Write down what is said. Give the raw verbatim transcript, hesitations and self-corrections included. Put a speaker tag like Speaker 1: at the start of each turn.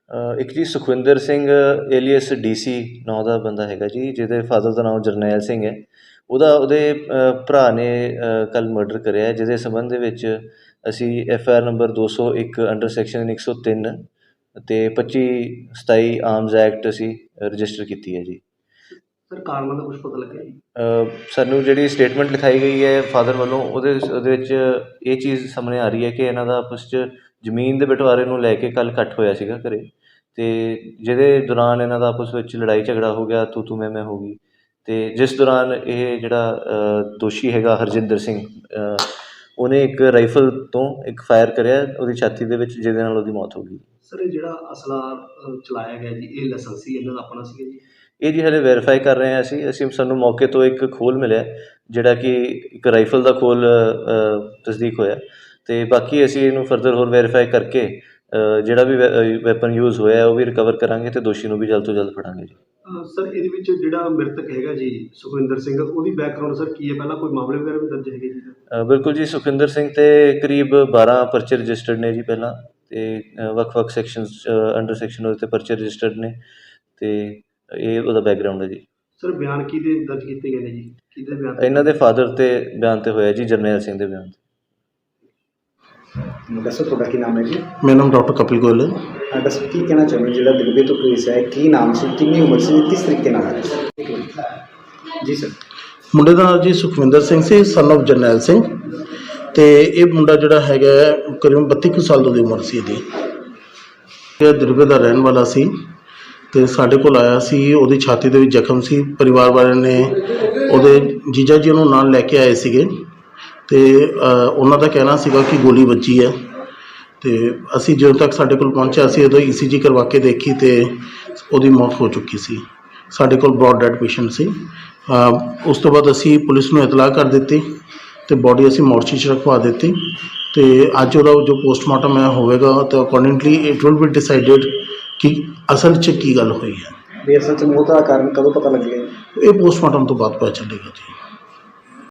Speaker 1: ਅ, ਇੱਕ ਜੀ Sukhwinder Singh alias D C ਨਾਂ ਦਾ ਬੰਦਾ ਹੈਗਾ ਜੀ, ਜਿਹਦੇ ਫਾਦਰ ਦਾ ਨਾਮ ਜਰਨੈਲ ਸਿੰਘ ਹੈ। ਉਹਦਾ ਉਹਦੇ ਅ, ਭਰਾ ਨੇ ਕੱਲ੍ਹ ਮਰਡਰ ਕਰਿਆ ਹੈ, ਜਿਹਦੇ ਸੰਬੰਧ ਦੇ ਵਿੱਚ ਅਸੀਂ ਐਫ ਆਈ ਆਰ ਨੰਬਰ ਦੋ ਸੌ ਇੱਕ ਅੰਡਰ ਸੈਕਸ਼ਨ ਇੱਕ ਸੌ ਤਿੰਨ ਅਤੇ ਪੱਚੀ ਸਤਾਈ ਆਰਮਜ਼ ਐਕਟ ਅਸੀਂ ਰਜਿਸਟਰ ਕੀਤੀ ਹੈ ਜੀ।
Speaker 2: ਸਰ ਕਾਰਨਾਂ ਦਾ ਕੁਛ ਪਤਾ ਲੱਗਿਆ ਜੀ?
Speaker 1: ਅ, ਸਾਨੂੰ ਜਿਹੜੀ ਸਟੇਟਮੈਂਟ ਲਿਖਾਈ ਗਈ ਹੈ ਫਾਦਰ ਵੱਲੋਂ, ਉਹਦੇ ਉਹਦੇ ਵਿੱਚ ਇਹ ਚੀਜ਼ ਸਾਹਮਣੇ ਆ ਰਹੀ ਹੈ ਕਿ ਇਹਨਾਂ ਦਾ ਆਪਸ 'ਚ ਜ਼ਮੀਨ ਦੇ ਬਟਵਾਰੇ ਨੂੰ ਲੈ ਕੇ ਕੱਲ੍ਹ ਇਕੱਠ ਹੋਇਆ ਸੀਗਾ ਘਰ, ਅਤੇ ਜਿਹਦੇ ਦੌਰਾਨ ਇਹਨਾਂ ਦਾ ਆਪਸ ਵਿੱਚ ਲੜਾਈ ਝਗੜਾ ਹੋ ਗਿਆ, ਤੂੰ ਤੂੰ ਮੈਂ ਮੈਂ ਹੋ ਗਈ, ਅਤੇ ਜਿਸ ਦੌਰਾਨ ਇਹ ਜਿਹੜਾ ਅ, ਦੋਸ਼ੀ ਹੈਗਾ ਹਰਜਿੰਦਰ ਸਿੰਘ, ਅ, ਉਹਨੇ ਇੱਕ ਰਾਈਫਲ ਤੋਂ ਇੱਕ ਫਾਇਰ ਕਰਿਆ ਉਹਦੀ ਛਾਤੀ ਦੇ ਵਿੱਚ, ਜਿਹਦੇ ਨਾਲ ਉਹਦੀ ਮੌਤ ਹੋ ਗਈ।
Speaker 2: ਸਰ ਇਹ ਜਿਹੜਾ ਅਸਲਾ ਅ, ਚਲਾਇਆ ਗਿਆ ਜੀ, ਇਹ ਲਾਇਸੈਂਸੀ ਇਹਨਾਂ ਦਾ ਆਪਣਾ ਸੀਗਾ ਜੀ?
Speaker 1: ਇਹ ਜੀ ਹਲੇ ਵੈਰੀਫਾਈ ਕਰ ਰਹੇ ਹਾਂ ਅਸੀਂ ਅਸੀਂ ਸਾਨੂੰ ਮੌਕੇ ਤੋਂ ਇੱਕ ਖੋਲ ਮਿਲਿਆ, ਜਿਹੜਾ ਕਿ ਇੱਕ ਰਾਈਫਲ ਦਾ ਖੋਲ ਤਸਦੀਕ ਹੋਇਆ, ਅਤੇ ਬਾਕੀ ਅਸੀਂ ਇਹਨੂੰ ਫਰਦਰ ਹੋਰ ਵੈਰੀਫਾਈ ਕਰਕੇ ਅ, ਜਿਹੜਾ ਵੀ ਵੈ ਵੈਪਨ ਯੂਜ਼ ਹੋਇਆ ਉਹ ਵੀ ਰਿਕਵਰ ਕਰਾਂਗੇ ਅਤੇ ਦੋਸ਼ੀ ਨੂੰ ਵੀ ਜਲਦ ਤੋਂ ਜਲਦ ਫੜਾਂਗੇ ਜੀ।
Speaker 2: ਅ, ਸਰ ਇਹਦੇ ਵਿੱਚ ਜਿਹੜਾ ਮ੍ਰਿਤਕ ਹੈਗਾ ਜੀ ਸੁਖਵਿੰਦਰ ਸਿੰਘ, ਉਹਦੀ ਬੈਕਗਰਾਊਂਡ ਸਰ ਕੀ ਹੈ? ਪਹਿਲਾਂ ਕੋਈ ਮਾਮਲੇ ਵਗੈਰਾ ਵੀ ਦਰਜ ਹੈਗੇ ਜੀ?
Speaker 1: ਅ, ਬਿਲਕੁਲ ਜੀ, ਸੁਖਵਿੰਦਰ ਸਿੰਘ 'ਤੇ ਕਰੀਬ ਬਾਰ੍ਹਾਂ ਪਰਚੇ ਰਜਿਸਟਰਡ ਨੇ ਜੀ ਪਹਿਲਾਂ, ਅਤੇ ਵੱਖ ਵੱਖ ਸੈਕਸ਼ਨਸ ਅੰਡਰ ਸੈਕਸ਼ਨ ਉਹਦੇ 'ਤੇ ਪਰਚੇ ਰਜਿਸਟਰਡ ਨੇ, ਅਤੇ ਇਹ ਉਹਦਾ ਬੈਕਗਰਾਊਂਡ ਹੈ ਜੀ।
Speaker 2: ਸਰ ਬਿਆਨ ਕਿਹਦੇ ਦਰਜ ਕੀਤੇ ਗਏ ਨੇ ਜੀ? ਕਿਹਦੇ ਬਿਆਨ?
Speaker 1: ਇਹਨਾਂ ਦੇ ਫਾਦਰ 'ਤੇ ਬਿਆਨ 'ਤੇ ਹੋਇਆ ਜੀ, ਜਰਨੈਲ ਸਿੰਘ ਦੇ ਬਿਆਨ 'ਤੇ।
Speaker 3: ਦੱਸੋ ਤੁਹਾਡਾ ਕੀ ਨਾਮ ਹੈ ਜੀ?
Speaker 4: ਮੇਰਾ ਨਾਮ ਡਾਕਟਰ ਕਪਿਲ ਗੋਇਲ ਹੈ।
Speaker 3: ਅਹ ਦੱਸੋ ਕੀ ਕਹਿਣਾ ਚਾਹੁੰਦੇ ਜਿਹੜਾ ਦਿਲਬੇ ਤੋਂ ਕੇਸ ਹੈ, ਕੀ ਨਾਮ ਸੀ, ਕਿੰਨੀ ਉਮਰ ਸੀ, ਕਿਸ ਤਰੀਕੇ ਨਾਲ ਆਇਆ ਸੀ? ਜੀ ਸਰ।
Speaker 4: ਮੁੰਡੇ ਦਾ ਨਾਮ ਜੀ ਸੁਖਵਿੰਦਰ ਸਿੰਘ ਸੀ, ਸਨ ਆਫ ਜਰਨੈਲ ਸਿੰਘ, ਅਤੇ ਇਹ ਮੁੰਡਾ ਜਿਹੜਾ ਹੈਗਾ ਕਰੀਬਨ ਬੱਤੀ ਕੁ ਸਾਲ ਦੀ ਉਮਰ ਸੀ ਇਹਦੀ। ਇਹ ਦਿਲਬੇ ਦਾ ਰਹਿਣ ਵਾਲਾ ਸੀ, ਅਤੇ ਸਾਡੇ ਕੋਲ ਆਇਆ ਸੀ, ਉਹਦੀ ਛਾਤੀ ਦੇ ਵਿੱਚ ਜ਼ਖਮ ਸੀ। ਪਰਿਵਾਰ ਵਾਲਿਆਂ ਨੇ ਉਹਦੇ ਜੀਜਾ ਜੀ ਉਹਨੂੰ ਨਾਲ ਲੈ ਕੇ ਆਏ ਸੀਗੇ, ਅਤੇ ਉਹਨਾਂ ਦਾ ਕਹਿਣਾ ਸੀਗਾ ਕਿ ਗੋਲੀ ਵੱਜੀ ਹੈ, ਅਤੇ ਅਸੀਂ ਜਦੋਂ ਤੱਕ ਸਾਡੇ ਕੋਲ ਪਹੁੰਚਿਆ ਅਸੀਂ ਉਦੋਂ ਈ ਸੀ ਜੀ ਕਰਵਾ ਕੇ ਦੇਖੀ ਅਤੇ ਉਹਦੀ ਮੌਤ ਹੋ ਚੁੱਕੀ ਸੀ। ਸਾਡੇ ਕੋਲ ਬਰੋਡ ਡੈਡ ਪੇਸ਼ੈਂਟ ਸੀ। ਉਸ ਤੋਂ ਬਾਅਦ ਅਸੀਂ ਪੁਲਿਸ ਨੂੰ ਇਤਲਾਹ ਕਰ ਦਿੱਤੀ ਅਤੇ ਬੋਡੀ ਅਸੀਂ ਮੋਰਚੀ 'ਚ ਰਖਵਾ ਦਿੱਤੀ, ਅਤੇ ਅੱਜ ਉਹਦਾ ਜੋ ਪੋਸਟਮਾਰਟਮ ਹੈ ਹੋਵੇਗਾ, ਅਤੇ accordingly it will be decided ਕਿ ਅਸਲ 'ਚ ਕੀ ਗੱਲ ਹੋਈ ਹੈ।
Speaker 3: ਵੀ ਅਸਲ 'ਚ ਮੌਤ ਦਾ ਕਾਰਨ ਕਦੋਂ ਪਤਾ ਲੱਗੇਗਾ?
Speaker 4: ਇਹ ਪੋਸਟਮਾਰਟਮ ਤੋਂ ਬਾਅਦ ਪਤਾ ਚੱਲੇਗਾ ਜੀ।